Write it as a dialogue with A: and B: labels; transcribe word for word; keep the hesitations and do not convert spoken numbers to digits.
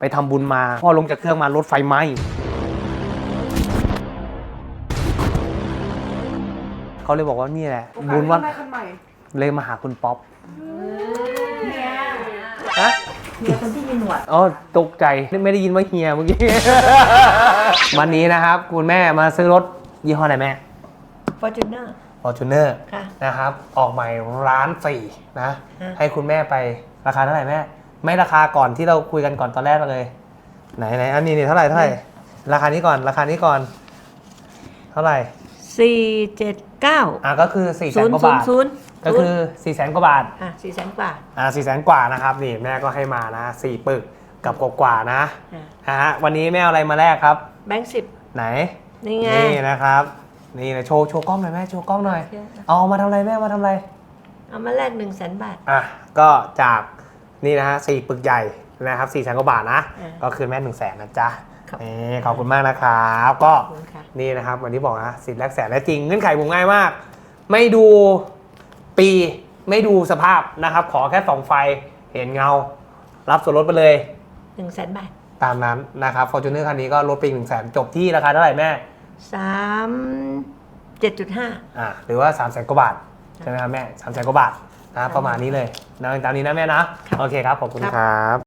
A: ไปทำบุญมาพอลงจากเครื่องมารถไฟไหม้เขาเลยบอกว่านี่แหละบุญวัดเลยมาหาคุณป๊อป
B: เนี่ย
A: ฮะ
B: เฮียคนที่มีหนวด
A: อ๋อตกใจไม่ได้ยินว่าเฮียเมื่อกี้ วันนี้นะครับคุณแม่มาซื้อรถยี่ห้ออะไรแม่
B: Fortuner
A: Fortuner
B: ค่ะ
A: นะครับออกใหม่ร้านสี่นะ
B: ฮะ
A: ให้คุณแม่ไปราคาเท่าไหร่แม่ไม่ราคาก่อนที่เราคุยกันก่อนตอนแรกเลย ไหนไหนอันนี้นี่เท่าไหร่เท่าไหร่ราคานี้ก่อนราคานี้ก่อนเท่าไหร่
B: สี่เจ็ดเก้า
A: อ่ะก็คือ4ี่แส
B: ศู
A: น
B: นย์
A: กว่า
B: ศูน
A: บา
B: ย์
A: ท
B: ศูนย์
A: ก็คือ4ี่แสนกว่าบาท
B: อ่ะสี่แสนกว่า
A: อ่าสี่แสนกว่านะครับนี่แม่ก็ให้มานะสี่ปึกกับกว่าๆนะ
B: อ่ะ
A: ฮะวันนี้แม่เอาอะไรมาแลกครับ
B: แบงค์สิบ
A: ไหน
B: นี่ไง
A: นี่นะครับนี่นะโชว์โชว์กล้องหน่อยแม่โชว์กล้องหน่อย
B: โอเค
A: เอามาทำอะไรแม่มาทำอะไร
B: เอามาแลกหนึ่งแสนบาท
A: อ่ะก็จากนี่นะฮะสี่ปึกใหญ่นะครับสี่แสนกว่าบาทนะ
B: อ่า
A: ก็คืนแม่หนึ่งแสนนะจ๊ะ
B: ครับ
A: นี่ขอบคุณมากนะครับก็
B: ขอบคุณค่ะ
A: นี่นะครับวันที่บอกนะสิทธิ์แลกแสนและจริงเงื่อนไขผมง่ายมาก ไม่ดูปีไม่ดูสภาพนะครับขอแค่ส่องไฟเห็นเงา รับส่วนลดไปเลย
B: หนึ่งแสนบาท
A: ตามนั้นนะครับ Fortuner คันนี้ก็ลดไปอีกหนึ่งแสนจบที่ราคาเท่าไหร่แม่
B: สามเจ็ดจุดห้า
A: อ่าหรือว่า3ามแสนกว่าบาทใช่ไหมครับแม่สามแสนกว่าบาทนะประมาณนี้เลยนะตามนี้นะแม่นะโอเคครับขอบคุณครับ